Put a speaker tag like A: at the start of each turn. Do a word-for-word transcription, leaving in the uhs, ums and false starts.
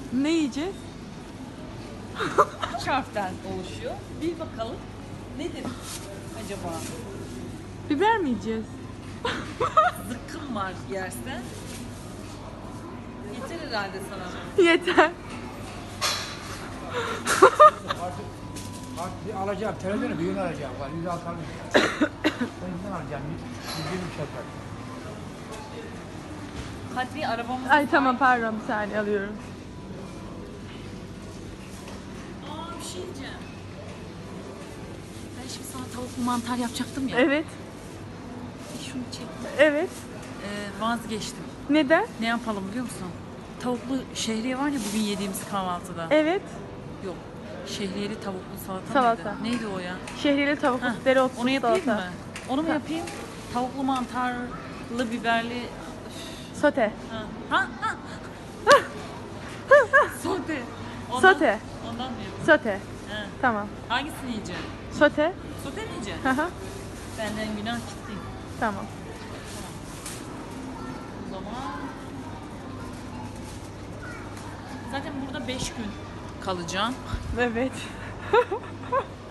A: Ne yiyeceğiz?
B: Üç harften oluşuyor. Bir bakalım nedir acaba?
A: Biber mi yiyeceğiz?
B: Zıkkım var yersen. Yeter herhalde sana.
A: Yeter.
C: Bak bir alacağım, televizyonu büyüğünü alacağım. Var, yüz altı almayacağım. Ben yüzden alacağım, yüz yirmi şeker.
B: Kadri arabamız
A: Ay tamam pardon bir saniye alıyorum.
B: Aa bir şey diyeceğim. Ben şimdi sana tavuklu mantar yapacaktım ya.
A: Evet.
B: Şunu çektim.
A: Evet.
B: Ee, vazgeçtim.
A: Neden?
B: Ne yapalım biliyor musun? Tavuklu şehriye var ya bugün yediğimiz kahvaltıda.
A: Evet.
B: Yok. Şehriyeli tavuklu salata,
A: Salata.
B: mıydı? Neydi o ya?
A: Şehriyeli tavuklu
B: Heh,
A: dereotlu
B: onu yapayım
A: salata.
B: mı? Onu mu yapayım? Tavuklu mantarlı biberli.
A: Sote.
B: Ha. Ha, ha. Sote. Ondan,
A: Sote.
B: Ondan mı yapayım?
A: Sote.
B: Ha.
A: Tamam.
B: Hangisini yiyeceksin?
A: Sote.
B: Sote mi yiyeceksin?
A: Hı hı.
B: Benden günah gitti.
A: Tamam.
B: O zaman zaten burada beş gün kalacağım.
A: Evet.